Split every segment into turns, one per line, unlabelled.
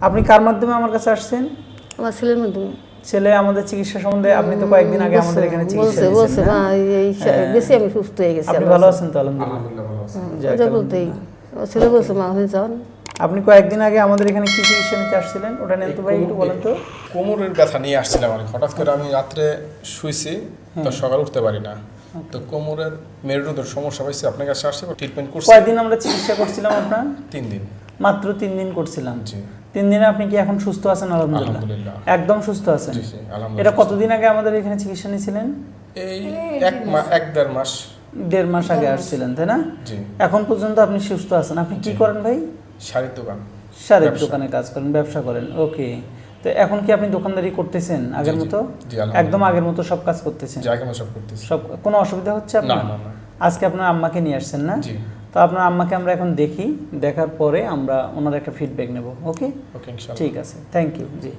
আপনি কার মাধ্যমে আমার কাছে আসছেন?
আমার ছেলের মাধ্যমে।
ছেলে আমাদের চিকিৎসা সম্বন্ধে আপনি তো কয়েকদিন আগে আমাদের এখানে চিকিৎসা নিয়েছেন না?
গেছি, আমি সুস্থ হয়ে গেছি।
আপনি ভালো আছেন তো? আলহামদুলিল্লাহ
ভালো আছি।
ছেলে বলছে মা হয়ে যান।
আপনি কয়েকদিন আগে আমাদের এখানে কি চিকিৎসা নিতে আসছিলেন ওটা নেন তো ভাই, একটু বলেন তো।
কোমরের ব্যথা নিয়ে আসছিলাম আমি। হঠাৎ করে আমি রাত্রে শুইছি, তো সকালে উঠতে পারি না। তো কোমরের মেরুদণ্ডের সমস্যা পাইছি, আপনার কাছে আসছি, ট্রিটমেন্ট করছি।
কয়দিন আমরা চিকিৎসা করছিলাম আপনার?
3 দিন।
মাত্র 3 দিন করছিলাম।
জি।
3 দিনে আপনি কি এখন সুস্থ আছেন?
আলহামদুলিল্লাহ।
একদম সুস্থ আছেন?
জি জি, আলহামদুলিল্লাহ।
এটা কতদিন আগে আমাদের এখানে চিকিৎসা নিয়েছিলেন?
এই 1-1.5 মাস।
1.5 মাস আগে আসছিলেন, তাই না?
জি।
এখন পর্যন্ত আপনি সুস্থ আছেন। আপনি কি করেন ভাই?
শাড়ির দোকান।
শাড়ির দোকানে কাজ করেন, ব্যবসা করেন। ওকে। তো এখন কি আপনি দোকানদারি করতেছেন আগের মতো? একদম আগের মতো সব কাজ করতেছেন?
জি, আগের মতো সব করতেছি।
সব কোনো অসুবিধা হচ্ছে আপনার?
না না না।
আজকে আপনার আম্মাকে নিয়ে আসছেন না?
জি।
তো আপনার আম্মাকে আমরা এখন দেখি, দেখার পরে আমরা ওনার একটা ফিডব্যাক নেব। ওকে
ওকে, ইনশাআল্লাহ।
ঠিক আছে, থ্যাংক ইউ। জি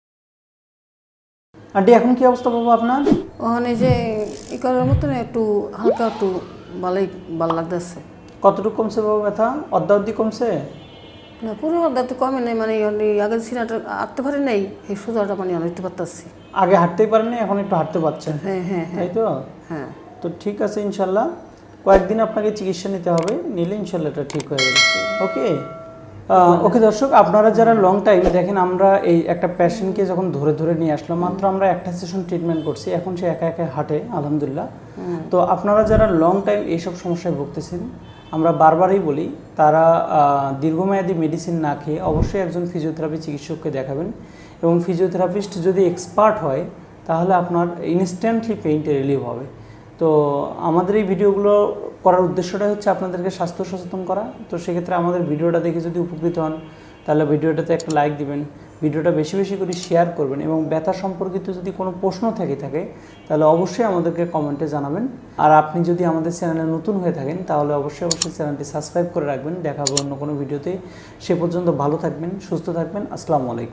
আন্টি, এখন কি অবস্থা বাবু আপনার?
ওখানে যে ই করার মতন একটু হালকা একটু ভালো লাগতেছে।
কতটুকু কমছে বাবু ব্যথা? অর্ধি কমছে?
না, পুরো অর্ধেক তো কমে নেই, মানে আগের সিনাটা আঁটতে পারে নাই, এই সোজাটা মানে অনেকতে পারতেছি।
আগে হাঁটতেই পারেননি, এখন একটু হাঁটতে পারছেন?
হ্যাঁ হ্যাঁ
তাই তো?
হ্যাঁ।
তো ঠিক আছে, ইনশাল্লাহ কয়েকদিন আপনাকে চিকিৎসা নিতে হবে, নিলে ইনশাল্লাহ এটা ঠিক হয়ে যাবে। ওকে ওকে দর্শক, আপনারা যারা লং টাইম দেখেন, আমরা এই একটা পেশেন্টকে যখন ধরে ধরে নিয়ে আসলাম, মাত্র আমরা একটা সেশন ট্রিটমেন্ট করছি, এখন সে একা একা হাঁটে আলহামদুলিল্লাহ। তো আপনারা যারা লং টাইম এইসব সমস্যায় ভুগতেছেন, আমরা বারবারই বলি তারা দীর্ঘমেয়াদী মেডিসিন না খেয়ে অবশ্যই একজন ফিজিওথেরাপি চিকিৎসককে দেখাবেন, এবং ফিজিওথেরাপিস্ট যদি এক্সপার্ট হয় তাহলে আপনার ইনস্ট্যান্টলি পেইনটা রিলিভ হবে। তো আমাদের এই ভিডিওগুলো করার উদ্দেশ্যটাই হচ্ছে আপনাদেরকে স্বাস্থ্য সচেতন করা। তো সেক্ষেত্রে আমাদের ভিডিওটা দেখে যদি উপকৃত হন তাহলে ভিডিওটাতে একটা লাইক দিবেন, ভিডিওটা বেশি বেশি করে শেয়ার করবেন, এবং ব্যথা সম্পর্কিত যদি কোনো প্রশ্ন থেকে থাকে তাহলে অবশ্যই আমাদেরকে কমেন্টে জানাবেন। আর আপনি যদি আমাদের চ্যানেলে নতুন হয়ে থাকেন তাহলে অবশ্যই চ্যানেলটি সাবস্ক্রাইব করে রাখবেন। দেখা হবে অন্য কোনো ভিডিওতে। সে পর্যন্ত ভালো থাকবেন, সুস্থ থাকবেন। আসসালামু আলাইকুম।